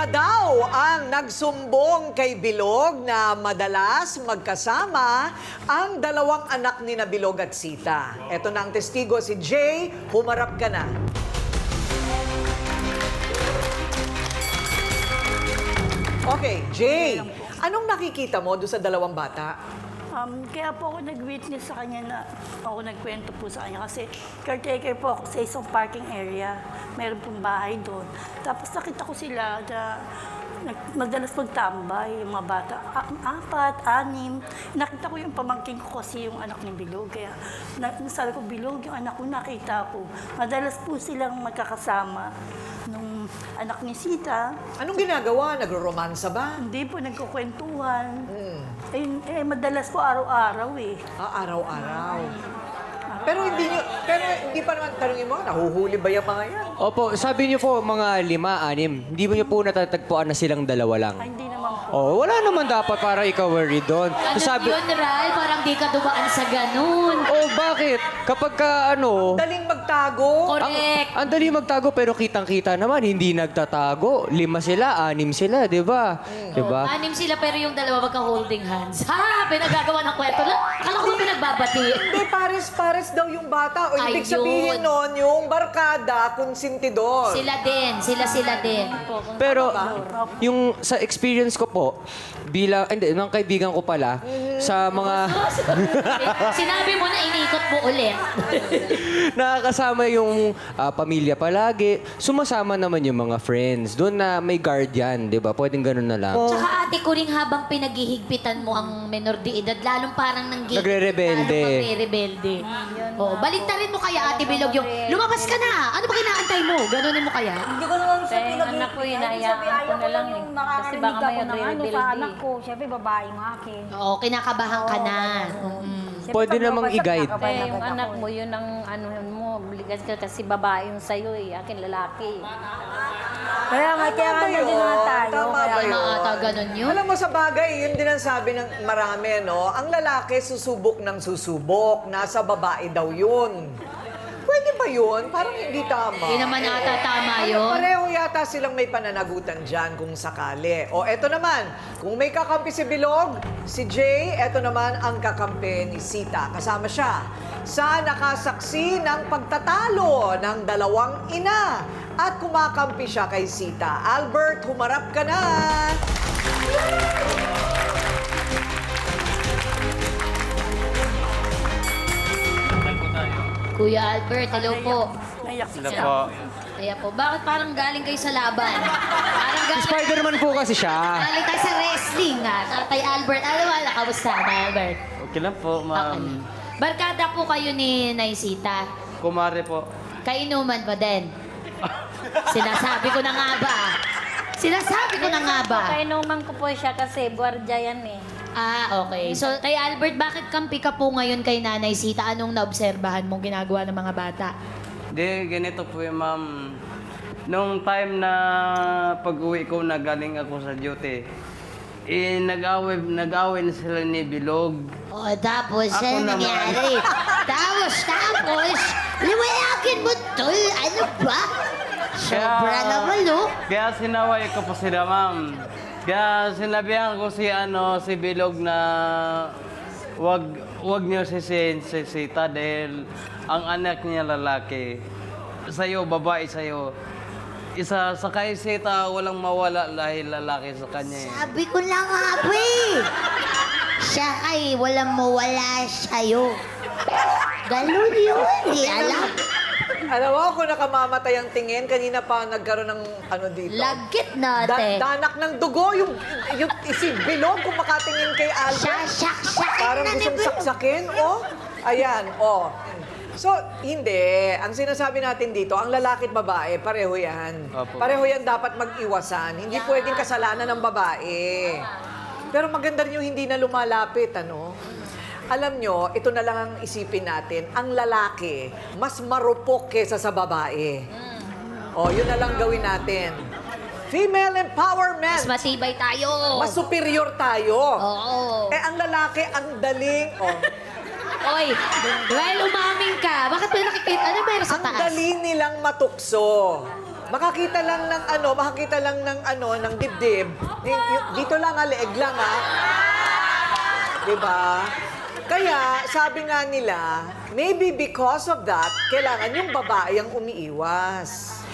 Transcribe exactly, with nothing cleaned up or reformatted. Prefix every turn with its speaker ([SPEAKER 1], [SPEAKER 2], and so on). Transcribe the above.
[SPEAKER 1] daw ang nagsumbong kay Bilog na madalas magkasama ang dalawang anak ni na Bilog at Sita. Ito na ang testigo, si Jay. Humarap ka na. Okay, Jay, anong nakikita mo doon sa dalawang bata?
[SPEAKER 2] Um, kaya po ako nag-witness sa kanya na ako nagkwento po sa kanya kasi caretaker po ako sa isang parking area. Meron pong bahay doon. Tapos nakita ko sila na nag- madalas magtambay yung mga bata. A- apat, anim. Nakita ko yung pamangking ko kasi yung anak ni Bilog. Kaya na- nasabi ko, Bilog, yung anak ko nakita ko. Madalas po silang magkakasama. Nung anak ni Sita,
[SPEAKER 1] Anong ginagawa? Nagro-romansa ba?
[SPEAKER 2] hindi po nagkukwentuhan.
[SPEAKER 1] Hmm.
[SPEAKER 2] Eh, eh, madalas po araw-araw eh.
[SPEAKER 1] Ah, araw-araw. Pero hindi nyo, pero hindi pa naman tanongin mo, nahuhuli ba yung mga yan?
[SPEAKER 3] Opo, sabi niyo po mga lima, anim. Hindi mo niyo po natatagpuan na silang dalawa lang.
[SPEAKER 2] Ay, hindi naman po.
[SPEAKER 3] Oh, wala naman dapat para ikaw worry doon.
[SPEAKER 4] Ano
[SPEAKER 3] Sabi,
[SPEAKER 4] yun, Ral? Parang di ka dumaan sa ganun.
[SPEAKER 3] oh, bakit? Kapag ka ano,
[SPEAKER 1] Daling magtago.
[SPEAKER 4] Correct.
[SPEAKER 3] ang dali magtago pero kitang-kita naman, hindi nagtatago. Lima sila, anim sila, di ba? Di ba?
[SPEAKER 4] Anim sila pero yung dalawa magka-holding hands. Ha! Pinagagawa ng kwento lang. Akala ko ba pinagbabati?
[SPEAKER 1] Hindi, pares-pares daw yung bata. O ibig
[SPEAKER 4] Ayun.
[SPEAKER 1] sabihin nun, yung barkada, konsentidor.
[SPEAKER 4] Sila din. Sila-sila din.
[SPEAKER 3] Pero yung sa experience ko po, bilang, hindi, ng kaibigan ko pala, sa mga
[SPEAKER 4] Sinabi mo na inikot mo ulit.
[SPEAKER 3] nakakasama yung ah, pamilya palagi, sumasama naman yung mga friends. Doon na may guardian, di ba? Pwedeng ganun na lang.
[SPEAKER 4] Tsaka ate ko rin habang pinaghihigpitan mo ang menor de edad, lalong parang nang
[SPEAKER 3] Nagre-rebelde.
[SPEAKER 4] Lalong magre-rebelde. Oh, baliktarin mo kaya ate Bilog yung, lumabas ka na! Ano ba kinaantay mo? Ganunin mo kaya?
[SPEAKER 5] Hindi ko naman siya
[SPEAKER 6] Kaya yung
[SPEAKER 5] pinag-
[SPEAKER 6] anak ko,
[SPEAKER 5] Sabi,
[SPEAKER 6] hinahayaan ko
[SPEAKER 5] ayaw
[SPEAKER 6] na lang
[SPEAKER 5] yung
[SPEAKER 6] eh.
[SPEAKER 5] makakarinig
[SPEAKER 6] Kasi baka
[SPEAKER 5] ako
[SPEAKER 6] may
[SPEAKER 5] ng ano
[SPEAKER 6] rebelde
[SPEAKER 5] sa
[SPEAKER 6] eh.
[SPEAKER 5] anak ko. Siyempre, babae yung akin.
[SPEAKER 4] Oo, kinakabahan ka na. Mm.
[SPEAKER 5] Siyempre,
[SPEAKER 3] Pwede
[SPEAKER 5] pag
[SPEAKER 3] namang
[SPEAKER 5] mabasag,
[SPEAKER 3] i-guide.
[SPEAKER 5] nakakabahan
[SPEAKER 6] Kasi yung
[SPEAKER 5] agad
[SPEAKER 6] anak
[SPEAKER 5] ako
[SPEAKER 6] mo,
[SPEAKER 5] eh.
[SPEAKER 6] yun ang ano mo, obligas ka kasi babae yung sa'yo eh. Akin lalaki.
[SPEAKER 5] Kaya nga, kaya nga
[SPEAKER 1] Tama ba
[SPEAKER 5] din nga
[SPEAKER 1] yun?
[SPEAKER 5] tayo.
[SPEAKER 1] Tama
[SPEAKER 5] Kaya
[SPEAKER 1] ba
[SPEAKER 4] Ay,
[SPEAKER 1] yun?
[SPEAKER 4] maata ganun yun.
[SPEAKER 1] Alam mo sa bagay, yun din ang sabi ng marami, no? Ang lalaki susubok ng susubok, nasa babae daw yun. Pwede ba yun? Parang hindi tama.
[SPEAKER 4] Hindi naman ata tama
[SPEAKER 1] Ano,
[SPEAKER 4] yun.
[SPEAKER 1] pareho yata silang may pananagutan dyan kung sakali. O eto naman, kung may kakampi si Bilog, si Jay, eto naman ang kakampi ni Sita. Kasama siya sa nakasaksi ng pagtatalo ng dalawang ina. At kumakampi siya kay Sita. Albert, humarap ka na!
[SPEAKER 4] Kuya Albert, hello po.
[SPEAKER 2] Naiyak
[SPEAKER 7] Sila
[SPEAKER 2] siya.
[SPEAKER 7] po.
[SPEAKER 4] Kaya po, bakit parang galing kayo sa laban? Parang galing,
[SPEAKER 3] Spider-Man po kasi siya.
[SPEAKER 4] galing tayo sa wrestling ah. Tatay Albert, ano wala, kamusta na Albert?
[SPEAKER 7] Okay lang po,
[SPEAKER 4] Okay.
[SPEAKER 7] ma'am.
[SPEAKER 4] Barkada po kayo ni Naisita.
[SPEAKER 7] Kumare po.
[SPEAKER 4] Kainuman ba din? Sinasabi ko na nga ba? Sinasabi ko na nga ba?
[SPEAKER 6] Kainuman ko po siya kasi buwardya yan eh.
[SPEAKER 4] Ah, okay. So, kay Albert, bakit kampi ka po ngayon kay Nanay Sita? Anong naobserbahan mong ginagawa ng mga bata?
[SPEAKER 7] Di, ganito po yung ma'am. Nung time na pag-uwi ko na galing ako sa duty, eh, nag-away, nag-away na sila ni Bilog.
[SPEAKER 4] O, tapos,
[SPEAKER 7] Ako
[SPEAKER 4] ano
[SPEAKER 7] naman.
[SPEAKER 4] nangyari? tapos, tapos, liwayakin mo, tol. Ano ba? Sobra naman, no?
[SPEAKER 7] Kaya sinaway ko po sila, ma'am. Kaya sinabihan ko si ano si Bilog na wag wag niyo sisihin si Sita dahil ang anak niya lalaki. Sa'yo, babae sa'yo. Isa sa kay Sita, walang mawala dahil lalaki sa kanya. eh.
[SPEAKER 4] Sabi ko na nga, pre. Siya ay walang mawala sa'yo. Ganun yun, di alam.
[SPEAKER 1] Alam mo, kung nakamamatay ang tingin, kanina pa nagkaroon ng ano dito.
[SPEAKER 4] Lagkit
[SPEAKER 1] Da-
[SPEAKER 4] natin.
[SPEAKER 1] danak ng dugo, yung, yung si Bilog kung makatingin kay Albert.
[SPEAKER 4] Sasak-sakin
[SPEAKER 1] Parang
[SPEAKER 4] na ni
[SPEAKER 1] gustong
[SPEAKER 4] Bilog.
[SPEAKER 1] saksakin, oh. Ayan, oh. So, hindi. Ang sinasabi natin dito, ang lalaki at babae, pareho yan.
[SPEAKER 7] Opo.
[SPEAKER 1] Pareho yan dapat mag-iwasan. Hindi pwedeng kasalanan ng babae. Pero maganda rin yung hindi na lumalapit, ano? Alam nyo, ito na lang ang isipin natin. Ang lalaki, mas marupok kesa sa babae. O, yun na lang gawin natin. Female empowerment.
[SPEAKER 4] Mas matibay tayo.
[SPEAKER 1] Mas superior tayo.
[SPEAKER 4] Oo.
[SPEAKER 1] Eh, ang lalaki, ang daling... Oh,
[SPEAKER 4] Oy, well, umamin ka. Bakit may nakikita? Ano meron sa
[SPEAKER 1] ang
[SPEAKER 4] taas?
[SPEAKER 1] dali nilang matukso. makakita lang ng ano, makakita lang ng ano, ng dibdib. Y- y- dito lang, ah, leeg lang, ah. Diba? Kaya, sabi nga nila, maybe because of that, kailangan yung babae ang umiiwas.